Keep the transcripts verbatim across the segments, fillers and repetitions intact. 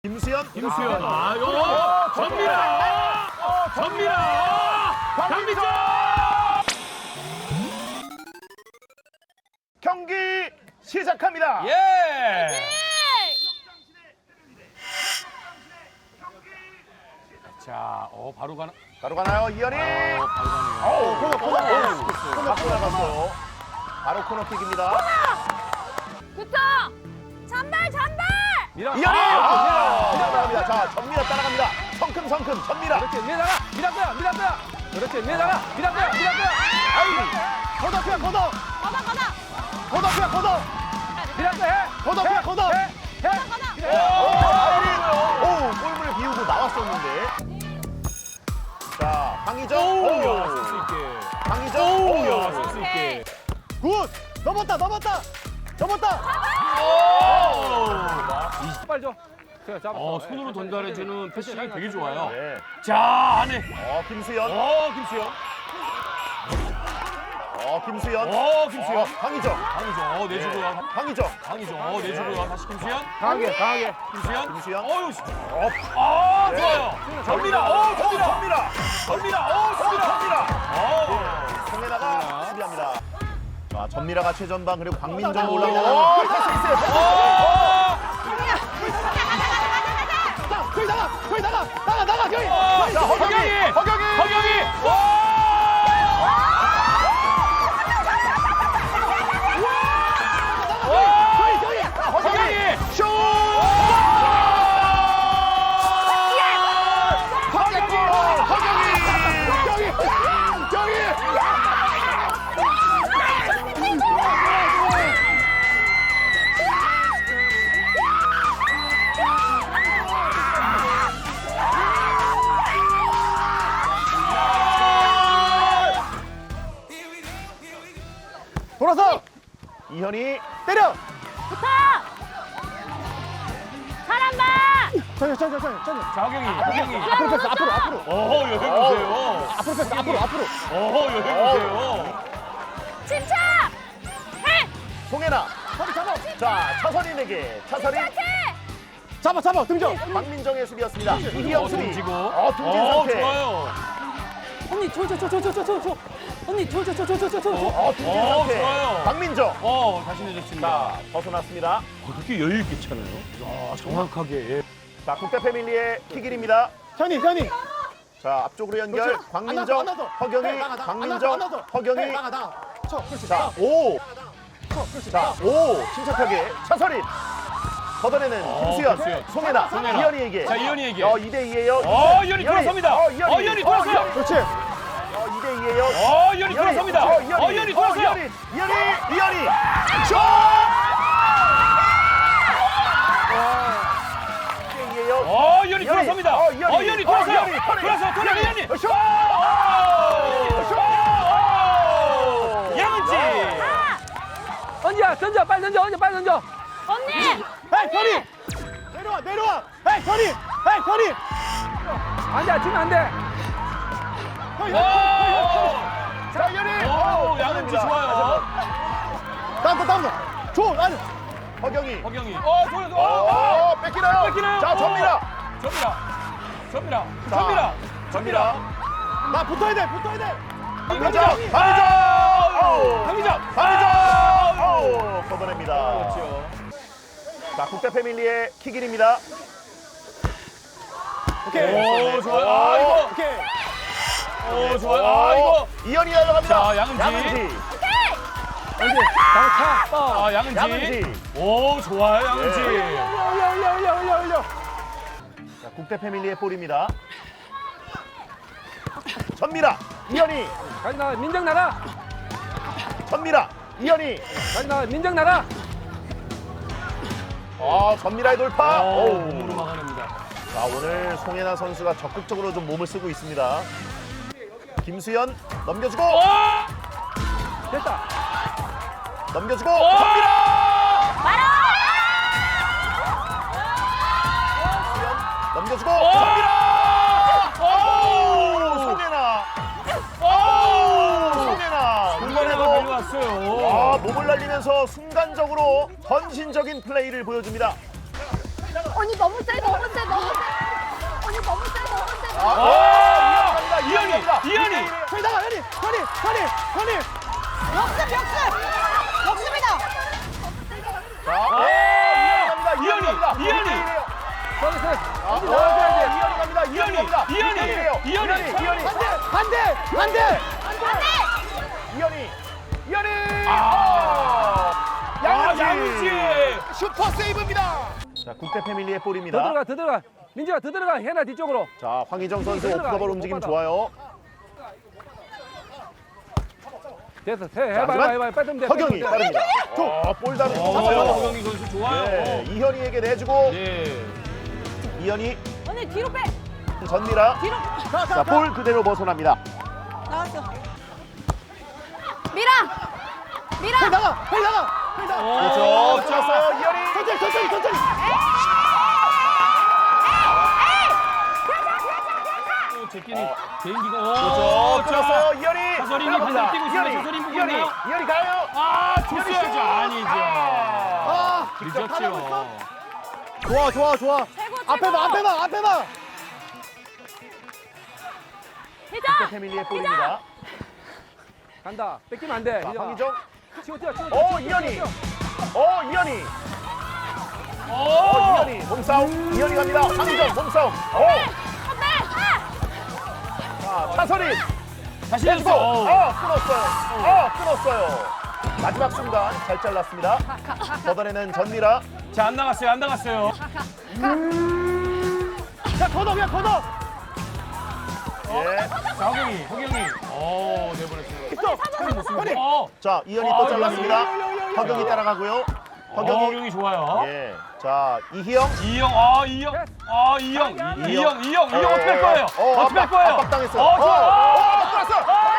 김수현, 김수현. 아, 요 전미라. 전미라. 강민정. 경기 시작합니다. 예. 자, 어 바로 가나? 바로 가나요, 이현이? 어, 바로 가네요. 어우, 코너, 코너, 코너, 코너, 코너 나갔어요. 바로 코너킥입니다. 붙어! 잔발 잔발! 미라. 이현이! 아, 따라갑니다. 자, 전미라 따라갑니다. 성큼성큼 전미라. 그렇지, 미라가, 미라거야, 미라거야. 그렇지, 미라가, 미라거야, 미라거야. 아이, 걷어피야, 걷어. 걷어 걷어! 걷어피야, 걷어. 미라거 해. 걷어피야, 걷어. 해, 해. 오, 오, 골문을 비우고 나왔었는데. 자, 강희정. 오, 오, 야, 쓸수 있게. 강희정. 오, 야, 오, 쓸수 있게. 굿. 넘었다, 넘었다. 넘었다. 오. 빨리 줘. 제가 잡았어. 어, 손으로 전달해주는 패싱이 되게 좋아요. 네. 자, 안에. 어, 김수현. 어, 김수현. 어, 김수현. 어, 김수현. 어, 강희정. 강희정, 어, 내주고 가. 강희정. 강희정, 어, 내주고 가. 다시 김수현. 강하게, 강하게. 김수현. 김수현. 어유, 어, 아, 네. 좋아요. 전미라, 어, 전미라. 전미라. 전미라, 어, 전미라. 전미라. 전미라. 어. 송혜나가 수비합니다. 자, 전미라가 최전방 그리고 광민정 오. 올라가는. 오, 패스 있어요. 패스. 어. 저기 나가. 저기 나가. 나가 나가 저기. 어, 자, 허경이. 허경이. 허경이. 허경이. 와! 저기 저기. 허경이. 허경이. 슛. 허경이. 허경이. 저기. 저기. 돌아서. 이현이 때려. 붙어! 잘한다! 천천히 천천히 천천히. 자, 허경이. 허경이. 앞으로 패스 앞으로 앞으로. 어, 여기 보세요. 앞으로 패스 앞으로 앞으로. 어, 여기 보세요. 침착! 해! 송혜나. 허리 잡아. 자, 차선인에게 차선인. 침착해! 잡아 잡아 등정. 박민정의 수비였습니다. 이기영 어, 수비. 던지고. 어, 등진 어, 상태. 좋아요. 언니, 저, 저, 저, 저, 저, 저, 저, 저. 언니, 저, 저, 저, 저, 저, 저, 저. 어, 등진 어, 상태. 좋아요. 박민정. 어, 다시 내줬습니다. 자, 벗어났습니다. 그렇게 여유 있게 차나요? 야, 정확하게. 예. 자, 국대 패밀리의 킥일입니다. 현이, 현이. 자, 앞쪽으로 연결. 그렇지. 안 광민정, 나서, 안 나서. 허경이, 네, 나가, 나가. 광민정, 안 나서, 안 나서. 허경이. 네, 나가, 나가. 쳐, 그렇지. 자, 오. 쳐, 그렇지. 자, 오. 침착하게. 차선인. 걷어내는 어, 김수현, 김수현. 송혜나, 송혜나. 이현이에게. 자, 이현이에게. 어, 이 대 이예요. 어, 이현이 돌아섭니다. 어, 어, 이현이 돌아서요. 그렇지. 어, 이 대 이예요. 어, 이현이 돌아섭니다. 어, 이현이. 어, 이현이 돌아서요. 어, 이현이. 이현이. 이현이. 슛! 이 대 이예요. 어, 이현이 이현이. 돌아섭니다. 어, 이현이. 어, 이현이 어, 돌아서요. 이현이. 터닝. 돌아서, 돌아서, 이현이. 어, 슛! 오! 슛! 양은지. 언니야, 던져, 빨리 던져, 언니, 빨리 던져. 언니! 에이, 현이. 내려와, 내려와. 에이, 현이. 에이, 현이. 안 돼, 주면 안 돼. 현이. 오! 자, 이현이. 오, 양은지 좋아요. 다음 거, 다음 거. 줘, 아니. 허경이. 허경이. 어, 돌아서. 어, 어, 뺏기나요? 뺏기나요? 자, 어. 전미라. 전미라. 전미라. 자, 전미라. 전미라. 나 붙어야 돼, 붙어야 돼. 강민정. 강민정. 강민정. 강민정. 강민정. 오, 걷어냅니다. 그렇죠. 자, 국대 패밀리의 킥일입니다. 오케이. 오, 좋아요. 아, 이거. 오케이. 오, 좋아요. 아, 이거. 이현이 날아갑니다. 자, 양은지. 양은지. 언니, 차, 빠. 아, 양은지. 양은지. 오, 좋아요, 양은지. 예. 올려, 올려, 올려, 올려, 올려, 올려. 자, 국대 패밀리의 볼입니다. 전미라. 이현이. 가지 나가, 민정 나가. 전미라. 이현이. 가지 나가, 민정 나가. 아, 전미라의 돌파. 오, 오. 몸으로 막아냅니다. 자, 오늘 송혜나 선수가 적극적으로 좀 몸을 쓰고 있습니다. 김수현 넘겨주고 오! 됐다. 넘겨주고 오! 전미라. 말아! 넘겨주고 오! 전미라. 오! 송혜나. 오! 송혜나. 중간에도 이번에도 달려왔어요. 아, 몸을 날리면서 순간적으로 헌신적인 플레이를 보여줍니다. 언니 너무 세, 너무 세, 너무 세. 언니 너무 세, 너무 세. 아, 오! 오, 이현이, 이현이. 현이 나가 현이 현이 현이 현이 역습, 역습. 역습이다. 자, 오, 이현이 갑니다. 이현이, 갑니다. 이현이. 서비스. 아, 언니 오, 나와줘야 돼. 이현이 갑니다. 이현이 갑니다. 이현이, 이현이에요. 이현이. 이현이. 반대 반대 반대 이현이. 이현이. 아, 양은지. 양은지. 슈퍼 세이브입니다. 자, 국대 패밀리의 더 볼입니다. 들어가, 더 들어가. 민지가 더 들어가. 해나 뒤쪽으로. 자, 황희정 선수 들어가, 오프더볼 이거 움직임 못 받아. 좋아요. 됐어. 해, 자, 해봐, 해봐, 하지만 해봐. 빠지면 돼. 허경이 빠지면 돼. 빠릅니다. 어, 볼 다리 어, 잡아요. 허경이 선수 좋아요. 네, 이현이에게 내주고 네. 이현이 언니 뒤로 빼. 전미라. 뒤로. 자, 볼 그대로 벗어납니다. 나왔어. 미라. 미라. 현이 나가 현이 나가 현이 나가 그렇죠. 오, 좋았어요. 이현이. 천천히 천천히 천천히 오, 제끼니 개인기가. 오, 그렇죠. 좋았어요. 이현이. 차서린이 들어갑니다. 반대로 뛰고 있습니다. 이현이. 차서린 보고 이현이. 있나요? 이현이 가요. 아, 줬어야죠. 아니죠. 아. 아 늦었지요. 좋아 좋아 좋아 최고, 최고. 앞에 봐 앞에 봐 앞에 봐 희정. 국대 패밀리의 볼입니다. 간다. 뺏기면 안 돼. 자, 이정아. 황희정. 치고 뛰어, 치고 오, 뛰어. 이현이. 어, 이현이. 오! 어, 이현이. 몸싸움. 이현이 갑니다. 황희정 몸싸움. 오. 선배. 자, 차서린. 다시 내주고. 했어. 어, 끊었어요. 어, 끊었어요. 마지막 순간 잘 잘랐습니다. 걷어내는 전미라. 자, 안 나갔어요. 안 나갔어요. 자 걷어 그냥 걷어 예. 자, 허경이, 허경이. 오, 내보냈어요. 있어 현이 어, 자, 이현이 아, 또 잘랐습니다. 이현이. 허경이 따라가고요. 허경이, 허경이. 허경이 좋아요. 예. 자, 이희영. 이형, 아, 이형. 아, 이형. 이형. 이형, 이형, 이형 어, 어떻게 할 거예요? 어, 어떻게 할 압박, 거예요? 압박당했어요. 어, 좋아. 어, 어, 어, 들어왔어.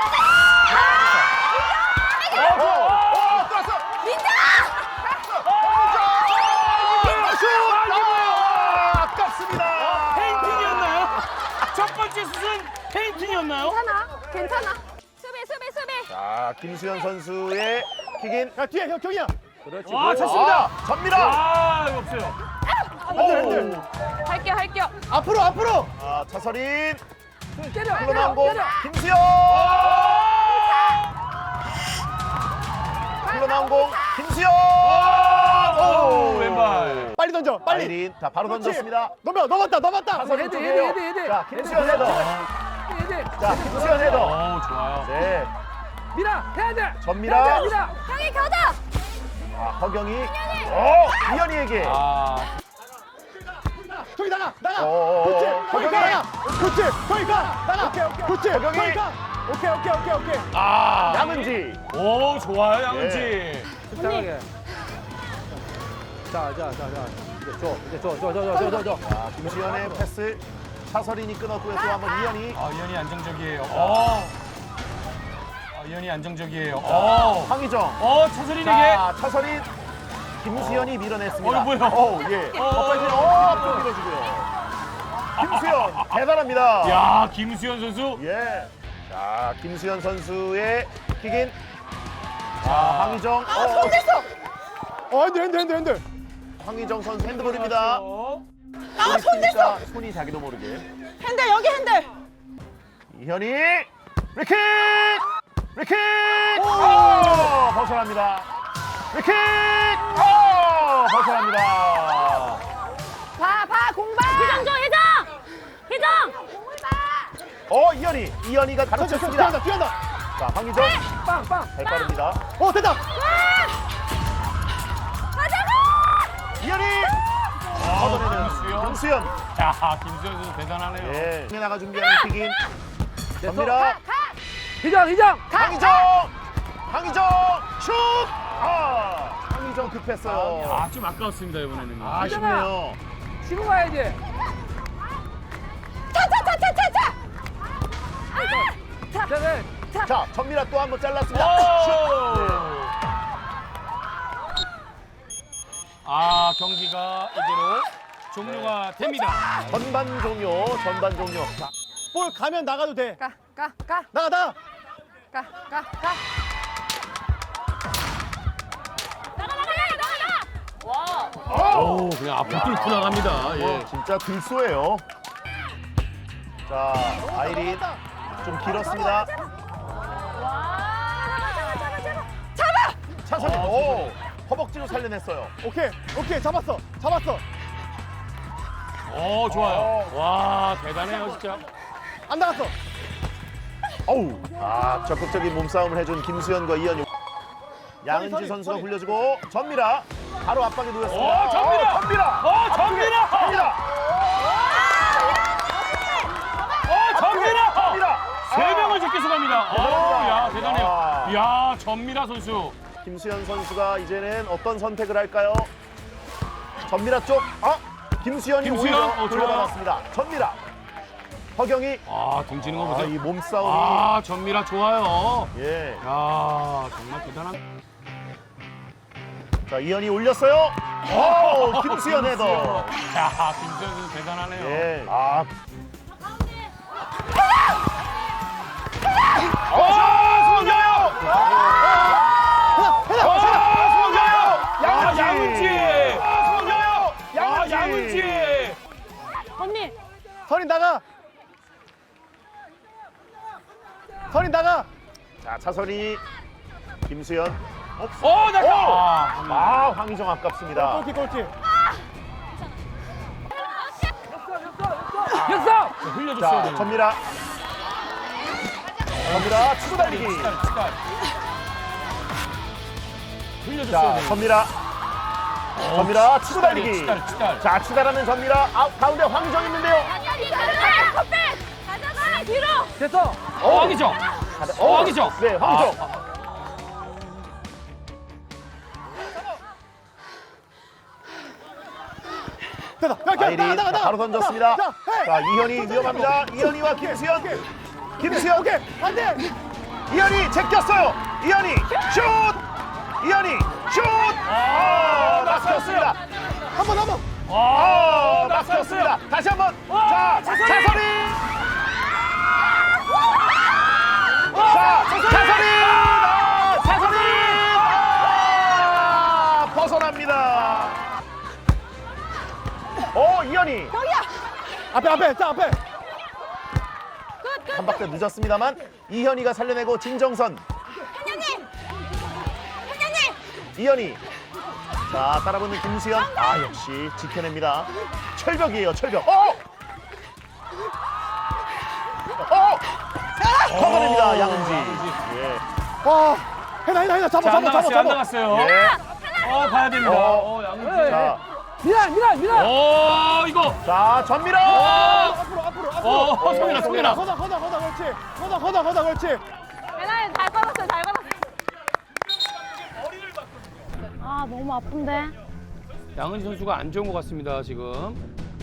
어, 어, 좋아. 어, 들어왔어. 민자. 슛! 아, 아깝습니다. 페인팅이었나요? 첫 번째 슛은 페인팅이었나요? 괜찮아. 괜찮아. 수비, 수비, 수비. 자, 김수현 선수의 킥인. 야 뒤에 형 경이야 그렇지. 아, 와, 찼습니다. 전미라. 아, 이거 없어요. 오. 할게요, 할게요. 앞으로 앞으로 아, 차서린. 때려. 흘러나온 공. 때려. 김수현. 흘러나온 공. 김수현. 오, 왼발. 빨리 던져 빨리 아이린. 자, 바로 그렇지. 던졌습니다. 넘어 넘었다 넘었다 차서린 헤드, 쪽이에요. 헤드, 헤드, 헤드. 자, 김수현 헤더. 헤드. 자, 김수현 헤더. 오, 좋아요. 네. 미라, 해야 돼. 전미라. 해야 돼, 미라. 형이 겨자. 아, 허경이. 어, 이현이에게. 아, 저기 나가 나가 어, 그렇지 어, 거기 허경이. 나가 그렇지 거기 가 나가 오케이 오케이 그렇지 허경이. 거기 가 오케이 오케이 오케이 오케이 아. 양은지. 오, 좋아요, 양은지. 네. 침착하게. 자, 자, 자, 자. 이제 줘, 이제 줘, 줘, 줘, 줘, 줘, 줘. 자, 김수현의 패스. 차서린이 끊었고요. 또 한번 이현이. 아, 이현이 안정적이에요. 어. 아, 이현이 안정적이에요. 어. 황희정. 어, 차서린에게. 자, 차서린. 김수현이 밀어냈습니다. 어, 뭐야? 어, 예. 어, 어, 빨리. 어, 또 밀어주고요. 김수현 대단합니다. 야, 김수현 선수. 예. 자, 김수현 선수의 킥인. 자, 황희정. 어, 어, 어 핸들 핸들 핸들 핸들 황희정 선수 핸드볼입니다. 어. 아, 손 됐어. 손이 자기도 모르게. 핸들, 여기 핸들. 이현이 리킥! 리킥! 오! 벗어납니다. 리킥! 오! 벗어납니다. 봐, 봐, 공방. 희정 줘, 희정. 희정. 어, 이현이. 이현이가 천천히 가로챘습니다. 뛰어간다 뛰어간다 자, 황희정. 빵, 빵. 잘 빠릅니다. 어 됐다 가자고. 이현이! 아, 걷어내는 김수현. 김수현. 야, 김수현 선수 대단하네요. 예. 나가 준비하는 킥인. 전미라. 가. 희정, 희정. 황희정! 황희정! 슛! 아! 황희정 급했어요. 아, 좀 아까웠습니다, 이번에는. 아쉽네요. 치고 가야지. 차, 차, 차, 차, 차, 차. 아! 자, 네. 자, 전미라 또 한 번 잘랐습니다. 오! 슛! 아, 경기가 이대로 종료가 됩니다. 전반 종료, 전반 종료. 자, 볼 가면 나가도 돼 가, 가, 가, 나가 나가 가, 가, 가. 나가, 나가, 나가, 나가, 나가. 오, 그냥 앞으로 뚫고 나갑니다. 예. 진짜 들쏘예요. 자, 아이린 좀 길었습니다. 차선이 오, 허벅지로 살려냈어요. 오케이 오케이 잡았어 잡았어. 오, 좋아요. 와, 대단해요, 진짜. 안 나갔어. 어우, 아, 적극적인 몸싸움을 해준 김수현과 이현유. 양은지 서리, 선수가 서리. 굴려주고 전미라 바로 압박에 놓였습니다. 오, 전미라! 어, 전미라! 어, 전미라! 전미라! 어, 전미라! 전미라! 세 명을 제껴서 갑니다. 오, 대단합니다. 야, 대단해요. 와. 야, 전미라 선수. 김수현 선수가 이제는 어떤 선택을 할까요? 전미라 쪽, 아, 김수현이 김수현, 오히려 어, 좋아요. 돌려받았습니다. 전미라, 허경이, 아, 등지는 거 아, 보세요. 이 몸싸움이, 아, 전미라 좋아요. 예. 야, 정말 대단한. 자, 이현이 올렸어요. 오, 김수현 헤더. 야, 김수현 선수 대단하네요. 예. 아, 어, 송정영! 양은지! 양은지! 송정영! 아, 양은지! 언니. 선인 나가. 선인 나가. 자, 차선이, 김수현. 어, 나 오! 아, 아, 황희정 아깝습니다. 골키 골키. 역사. 흘려줬어야 자, 되는데. 전미라. 전미라, 치고 달리기. 치달, 치달. 흘려줬어야 자, 되는데. 전미라. 전미라, 치고 달리기. 치달, 치달. 자, 치달하는 전미라. 아, 가운데 황희정 있는데요. 가져가 뒤로. 됐어. 어, 황희정. 어, 황희정. 네, 황희정. 아, 됐다. 야, 야, 아이린 나가 나가 자, 나가. 바로 던졌습니다. 자, 헤이. 자, 이현이 위험합니다. 이현이와 김수현. 김수현. 오케이 안돼. 이현이 제꼈어요. 이현이 슛. 이현이 슛. 아, 막혔습니다. 한번 한번. 아, 막혔어요. 막혔습니다. 다시 한번. 와, 자, 차선이. 차선이. 자, 차선이. 아, 차선이. 아, 벗어납니다. 오, 이현이. 앞에 앞에 자 앞에. 한 박자 늦었습니다만 이현이가 살려내고 진정선. 한현님. 한현님. 이현이. 자, 따라붙는 김수현. 아, 역시 지켜냅니다. 철벽이에요, 철벽. 어! 어! 커버냅니다, 양은지. 예. 와 해나 해나 해나 잡아 자, 안 잡아 잡아 나갔어요, 안 잡아. 나갔어요. 예. 어, 봐야 됩니다. 어. 어, 양은지. 자, 미란 미란 미란. 오, 이거. 자, 전미라. 앞으로 앞으로 앞으로. 어, 성민아, 성민아. 걷어 걷어 걷어 그렇지. 걷어 걷어 걷어 그렇지. 배나연 잘 받았어요. 잘 받았어요. 아 너무 아픈데. 양은지 선수가 안 좋은 것 같습니다, 지금.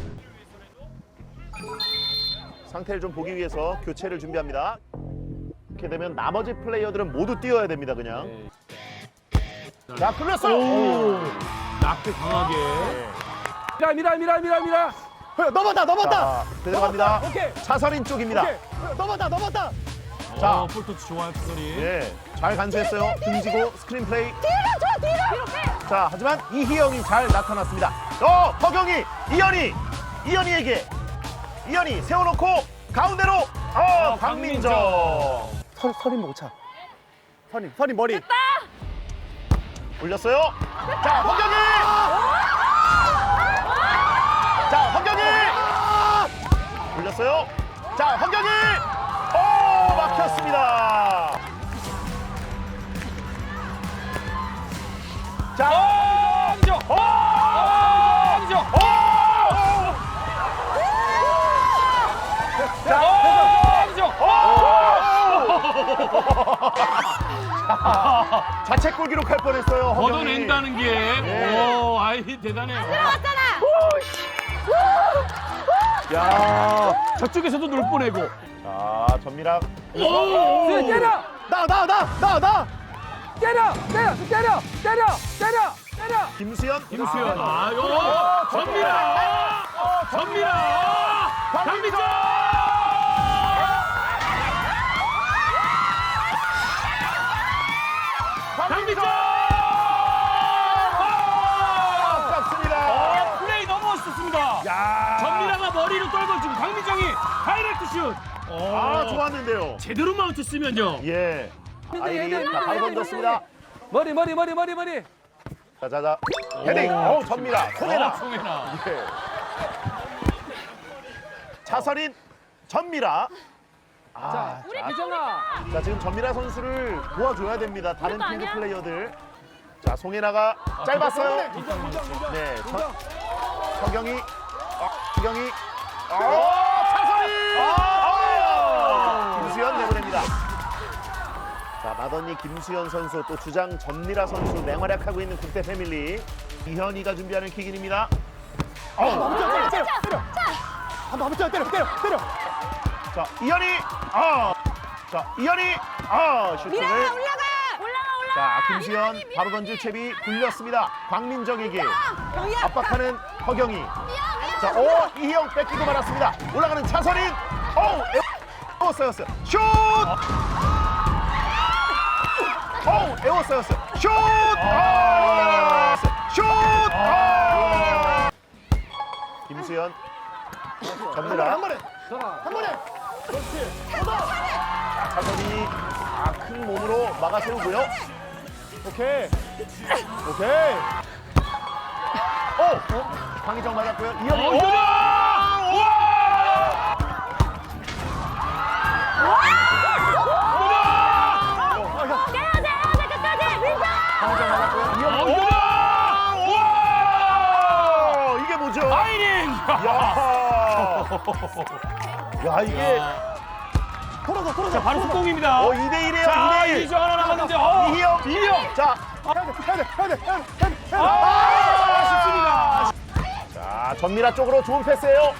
상태를 좀 보기 위해서 교체를 준비합니다. 이렇게 되면 나머지 플레이어들은 모두 뛰어야 됩니다, 그냥. 네. 자, 끌렸어요. 오, 낙대 강하게. 미란 미란 미란 미란 미란. 어, 넘었다 넘었다. 자, 들어갑니다. 오케이. 차선인 쪽입니다. 오케이. 어, 넘었다 넘었다. 자. 어, 볼터치 좋아요, 투소리. 예, 잘 간수했어요. 등지고 스크린 플레이. 뒤로 줘 뒤로. 뒤로. 자, 하지만 이희영이 잘 나타났습니다. 어, 허경이, 이현이, 이현이에게. 이현이 세워놓고 가운데로. 어, 박민정. 선 선인 못 차. 선인 선인 머리. 올렸어요. 자, 허경이. 자, 허경이. 올렸어요. 자, 허경이. 오, 막혔습니다. 자, 황희정! 오! 황희정! 오! 자, 황희정! 자책골 기록할 뻔했어요. 허경이. 걷어낸다는 게, 예. 오, 아이, 대단해요. 들어왔잖아. 야, 저쪽에서도 놀 뻔해고. 자, 전미락. 오! 때려 나 나 나 나 나. 때려 때려 때려 때려 때려 때려. 김수현. 김수현. 아, 아, 요! 전미라! 전미라! 박민정! 박민정! 뒤로 떨궈주고 강민정이 다이렉트 슛. 아, 좋았는데요. 제대로 마운트 쓰면요. 예. 아이리 얘들, 자, 바로 얘들, 던졌습니다. 머리 머리 머리 머리 머리. 자자자. 헤딩. 어, 전미라. 송혜나. 어, 송혜나. 예. 차선인 전미라. 아, 자, 미정아. 자, 지금 전미라 선수를 도와줘야 됩니다. 다른 그거 필드 아니야? 플레이어들. 자, 송혜나가 짧았어요. 네, 전, 서경이, 어, 서경이, 어, 차선이, 아, 김수현 내보냅니다. 자, 마더니 김수현 선수 또 주장 전미라 선수 맹활약하고 있는 국대 패밀리. 이현이가 준비하는 킥인입니다. 어, 때려 때려 때려. 한번 한번 때려 때려 때려. 자, 이현이, 아, 자, 이현이, 아, 슈팅을. 올라가 올라가 올라가. 자, 김수현 바로 던질 채비 굴렸습니다. 광민정에게 경이야. 압박하는 허경이. 자, 오, 이희영 뺏기고 말았습니다. 올라가는 차선인. 오, 에워싸였어요. 슛! 오, 에워싸였어요. 슛! 아! 슛! 아! 김수현. 전미라. 한 번에 한 번에. 자, 차선이 아, 큰 몸으로 막아 세우고요. 오케이 오케이. 오! 황희정 맞았고요. 이현이. 어, 오! 이현이! 해야 돼 해야 돼 끝까지 민정. 황희정 맞았고요. 어, 이현이. 이현이! 오! 이게 뭐죠? 아이린! 야! 야, 이게 털어서 털어서. 자, 바로 속공입니다. 어, 이 대 일이에요. 자, 이 대 일. 이점 하나 남았는데, 어, 이희영. 이희영! 자, 해야 돼 해야 돼 해야 돼 해야 돼. 아, 아쉽습니다. 자, 전미라 쪽으로 좋은 패스예요.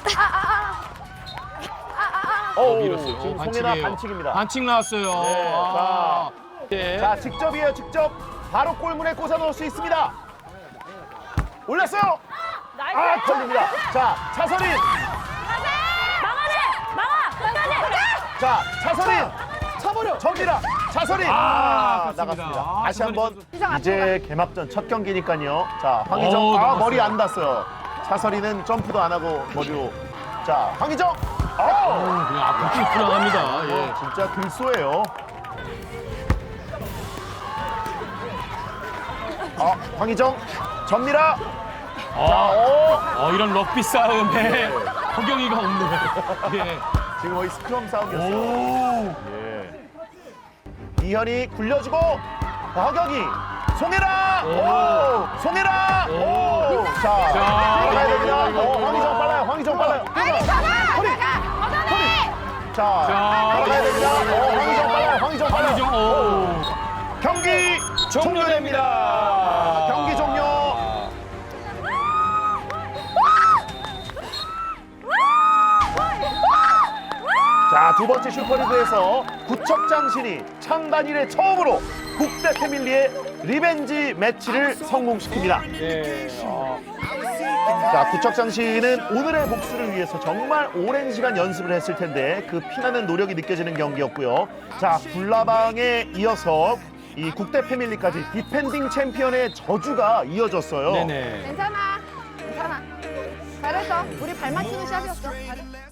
오, 밀었어요. 지금 어, 송혜나 반칙이에요. 반칙입니다. 반칙 나왔어요. 네, 아, 네. 자, 직접이에요, 직접. 바로 골문에 꽂아 넣을 수 있습니다. 올렸어요. 아, 걸립니다. 자, 차선인. 막아내 막아 끝까지. 자, 차선인. 차버려. 전미라. 차선인. 아, 아, 아깝습니다. 나갔습니다. 아, 다시 한번. 차선인 이제 개막전 첫 경기니까요. 자, 오, 황희정. 아, 넘어갔어요. 머리 안 닿았어요. 차선이는 점프도 안 하고 머리로. 자, 황희정. 어! 어, 그냥 앞으로 쭉 들어갑니다. 예. 진짜 글쏘예요. 아, 황희정, 전미라. 자, 아, 오. 어, 이런 럭비 싸움에 허경이가 없네요. 예. 지금 거의 스크럼 싸움이었어요. 오. 예. 이현이 굴려주고 허경이, 송혜라. 오. 오, 송혜라. 오. 자, 자, 들어가야 이거, 됩니다. 이거, 이거, 어, 이거. 황희정 빨라요. 황희정 빨라요. 아니 전화 허리. 나가 걷어내. 자, 자, 들어가야 됩니다. 어, 황희정 빨라요. 황희정 빨라요. 황희정, 오. 경기 종료됩니다. 경기 종료. 자, 두 번째 슈퍼리그에서 구척장신이 창단 이래 처음으로 국대 패밀리의 리벤지 매치를 성공시킵니다. 예. 어. 자, 구척장신은 오늘의 복수를 위해서 정말 오랜 시간 연습을 했을 텐데 그 피나는 노력이 느껴지는 경기였고요. 자, 굴라방에 이어서 이 국대 패밀리까지 디펜딩 챔피언의 저주가 이어졌어요. 네네. 괜찮아 괜찮아. 잘했어. 우리 발 맞추는 시합이었어. 잘했어.